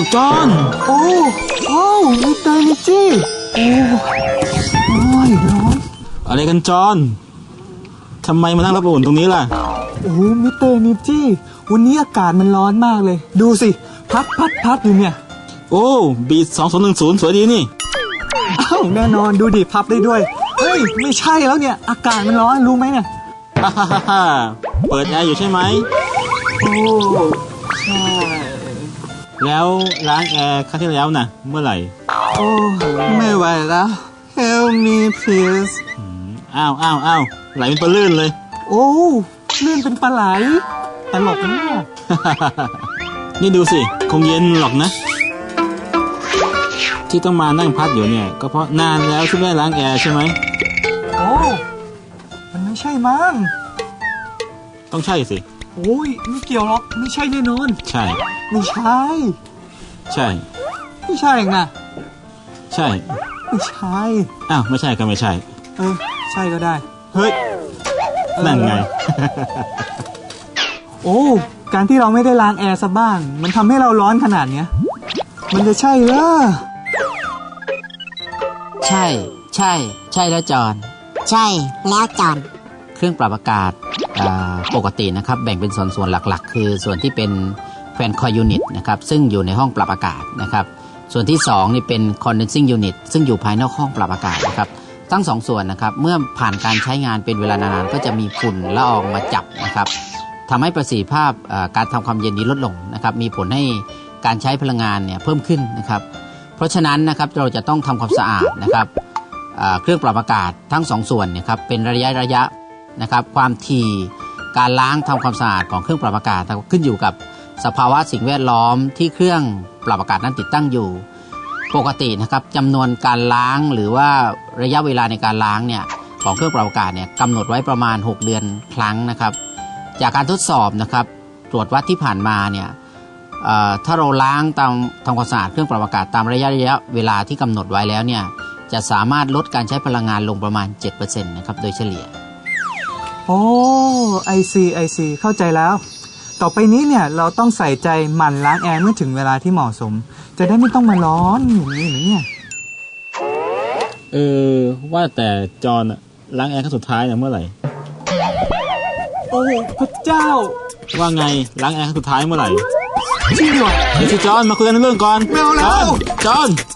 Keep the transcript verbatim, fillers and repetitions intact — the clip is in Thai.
จอนโอ้โอ้มิสเตอร์นิจี้โอ้โอ้ยร้อนอะไรกันจอนทำไมมานั่งรับอุ่นตรงนี้ล่ะโอ้มิสเตอร์นิจี้วันนี้อากาศมันร้อนมากเลยดูสิพัดพัดพัดอยู่เนี่ยโอ้บีทสองศูนย์หนึ่งศูนย์สวยดีนี่อ้าวแน่นอนดูดิพับได้ด้วยเฮ้ยไม่ใช่แล้วเนี่ยอากาศมันร้อนรู้ไหมเนี่ยฮ่าฮ่าฮ่าเปิดแอร์อยู่ใช่ไหมโอ้ใช่แล้วล้างแอร์ครั้งที่แล้วน่ะเมื่อไหร่โอ้ไม่ไหวแล้ว Help me please อ้าวอ้าวอ้าวไหลเป็นปลาลื่นเลยโอ้ลื่นเป็นปลาไหลตลกนะเนี่ยนี่ดูสิคงเย็นหรอกนะที่ต้องมานั่งพัดอยู่เนี่ยก็เพราะนานแล้วที่ไม่ล้างแอร์ใช่ไหมโอ้มันไม่ใช่มั้งต้องใช่สิโอ้ยไม่เกี่ยวหรอกไม่ใช่แน่นอนใช่ไม่ใช่ใช่ไม่ใช่เองนะใช่ไม่ใช่อ้าวไม่ใช่ก็ไม่ใช่เออใช่ก็ได้เฮ้ยนั่นไงโอ้การที่เราไม่ได้ล้างแอร์ซะบ้างมันทำให้เราร้อนขนาดเนี้ยมันจะใช่เหรอใช่ใช่ใช่แล้วจอนใช่แล้วจอนเครื่องปรับอากาศปกตินะครับแบ่งเป็นส่วนส่วนหลักๆคือส่วนที่เป็นแฟนคอยยูนิตนะครับซึ่งอยู่ในห้องปรับอากาศนะครับส่วนที่สองนี่เป็น condensing unit ซึ่งอยู่ภายนอกห้องปรับอากาศนะครับทั้งสองส่วนนะครับเมื่อผ่านการใช้งานเป็นเวลานานๆก็จะมีฝุ่นละอองมาจับนะครับทำให้ประสิทธิภาพการทำความเย็นนี้ลดลงนะครับมีผลให้การใช้พลังงานเนี่ยเพิ่มขึ้นนะครับเพราะฉะนั้นนะครับเราจะต้องทำความสะอาดนะครับเครื่องปรับอากาศทั้งสองส่วนเนี่ยครับเป็นระยะระยะนะครับความถี่การล้างทำความสะอาดของเครื่องปรับอากาศขึ้นอยู่กับสภาวะสิ่งแวดล้อมที่เครื่องปรับอากาศนั้นติดตั้งอยู่ปกตินะครับจำนวนการล้างหรือว่าระยะเวลาในการล้างเนี่ยของเครื่องปรับอากาศเนี่ยกำหนดไว้ประมาณหกเดือนครั้งนะครับจากการทดสอบนะครับตรวจวัดที่ผ่านมาเนี่ยถ้าเราล้างตามทำความสะอาดเครื่องปรับอากาศตามระยะระยะเวลาที่กำหนดไว้แล้วเนี่ยจะสามารถลดการใช้พลังงานลงประมาณ เจ็ดเปอร์เซ็นต์ นะครับโดยเฉลี่ยโอ้ไอซีไอซีเข้าใจแล้วต่อไปนี้เนี่ยเราต้องใส่ใจหมั่นล้างแอร์เมื่อถึงเวลาที่เหมาะสมจะได้ไม่ต้องมาร้อนอย่างนี้หรือเนี่ยเออว่าแต่จอนล้างแอร์ครั้งสุดท้ายเนี่ยเมื่อไหร่โอ้พระเจ้าว่าไงล้างแอร์ครั้งสุดท้ายเมื่อไหร่จริงเหรอเดี๋ยวสิจอนมาคุยกันเรื่องก่อนไม่เอาแล้วจอน